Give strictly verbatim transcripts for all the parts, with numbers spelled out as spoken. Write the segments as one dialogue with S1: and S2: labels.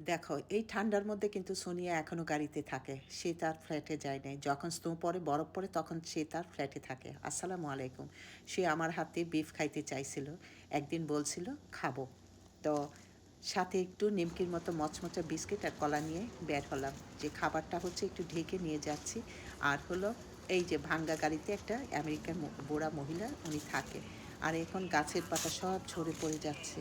S1: দেখো এই ঠান্ডার মধ্যে কিন্তু সোনিয়া এখনও গাড়িতে থাকে, সে তার ফ্ল্যাটে যায় নাই। যখন স্নো পড়ে, বরফ পড়ে, তখন সে তার ফ্ল্যাটে থাকে। আসসালামু আলাইকুম। সে আমার হাতে বিফ খাইতে চাইছিল, একদিন বলছিল খাবো। তো সাথে একটু নিমকির মতো মচমচা বিস্কিট আর কলা নিয়ে বের হলাম, যে খাবারটা হচ্ছে একটু ঢেকে নিয়ে যাচ্ছি। আর হলো এই যে ভাঙ্গা গাড়িতে একটা আমেরিকান বুড়া মহিলা উনি থাকে, আর এখন গাছের পাতা সব ঝরে পড়ে যাচ্ছে।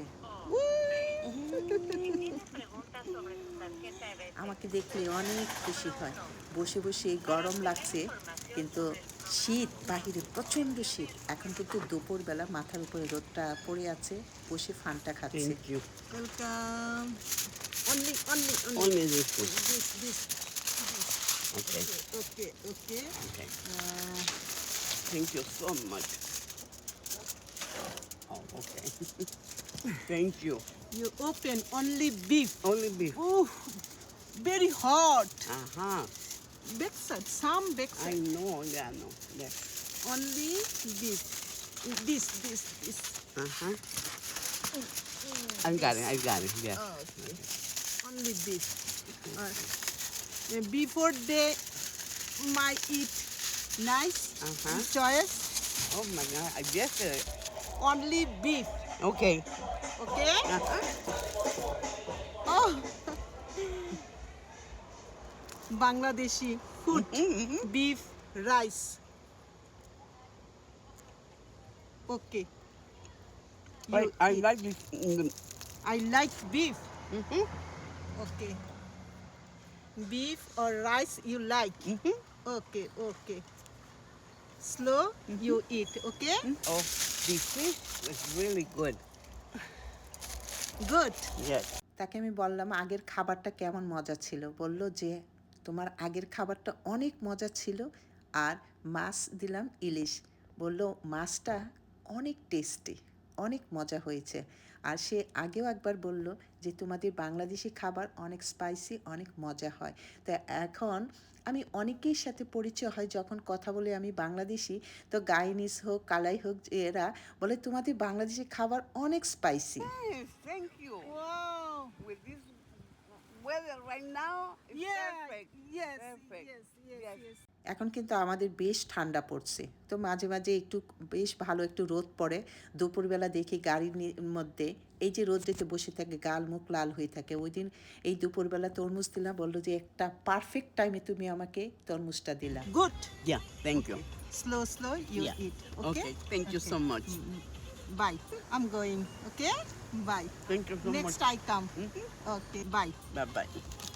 S1: আমাকে দেখলে অনেক খুশি হয়। বসে বসে গরম লাগছে, কিন্তু শীত বাহিরে, প্রচণ্ড শীত। এখন কিন্তু দুপুরবেলা মাথার উপরে রোদটা পড়ে আছে, বসে ফানটা খাচ্ছে।
S2: Thank you.
S1: Welcome. Only only
S2: Only this one.
S1: This this
S2: Okay.
S1: Okay okay.
S2: Okay. Thank you so much. Oh, okay. Thank you.
S1: You open only beef.
S2: Only beef.
S1: Oh, very hot.
S2: Uh huh.
S1: Backside, some
S2: I
S1: backside.
S2: know. Yeah, I know. Yes.
S1: Only beef. This, this, this.
S2: Uh huh. I got it. I got it. Yeah.
S1: Oh, okay. Only beef. Uh, before they might eat nice
S2: Uh-huh.
S1: choice,
S2: Oh my God. I guess it.
S1: only beef.
S2: Okay.
S1: Okay?
S2: Uh huh.
S1: Oh. Bangladeshi food, beef, rice. Okay.
S2: I,
S1: You
S2: I
S1: eat.
S2: like this. mm,
S1: I like beef.
S2: Mm-hmm.
S1: Okay. Beef or rice you like.
S2: Mm-hmm.
S1: Okay, okay. Slow, you eat, okay?
S2: Oh, the fish is really good.
S1: Good.
S2: Yes.
S1: তাকে আমি বললাম আগের খাবারটা কেমন মজা ছিল। বলল যে তোমার আগের খাবারটা অনেক মজা ছিল। আর মাছ দিলাম ইলিশ, বলল মাছটা অনেক টেস্টি, অনেক মজা হয়েছে। আর সে আগেও একবার বলল যে তোমাদের বাংলাদেশি খাবার অনেক স্পাইসি, অনেক মজা হয়। তো এখন আমি অনেকের সাথে পরিচয় হয়, যখন কথা বলে আমি বাংলাদেশি, তো গাইনিস হোক, কালাই হোক, এরা বলে তোমাদের বাংলাদেশি খাবার অনেক spicy.
S2: Yes, thank you.
S1: Wow.
S2: With this weather right now, it's
S1: Yeah,
S2: perfect.
S1: yes,
S2: Perfect.
S1: yes, yes, yes. এখন কিন্তু আমাদের বেশ ঠান্ডা পড়ছে, তো মাঝে মাঝে একটু বেশ ভালো একটু রোদ পড়ে। দুপুরবেলা দেখি গাড়ির নি- মধ্যে এই যে রোদ্রেতে বসে থাকে, গাল মুখ লাল হয়ে থাকে। ওই দিন এই দুপুরবেলা তরমুজ দিলাম, বললো যে একটা পারফেক্ট টাইমে তুমি আমাকে তরমুজটা দিলা। Good.
S2: Yeah, thank you.
S1: Slow slow you
S2: Yeah.
S1: Eat.
S2: Okay, thank you so much.
S1: Bye. I am going. Okay, bye.
S2: Thank you so
S1: next
S2: much.
S1: I come.
S2: Mhm.
S1: Okay, bye.
S2: Bye bye.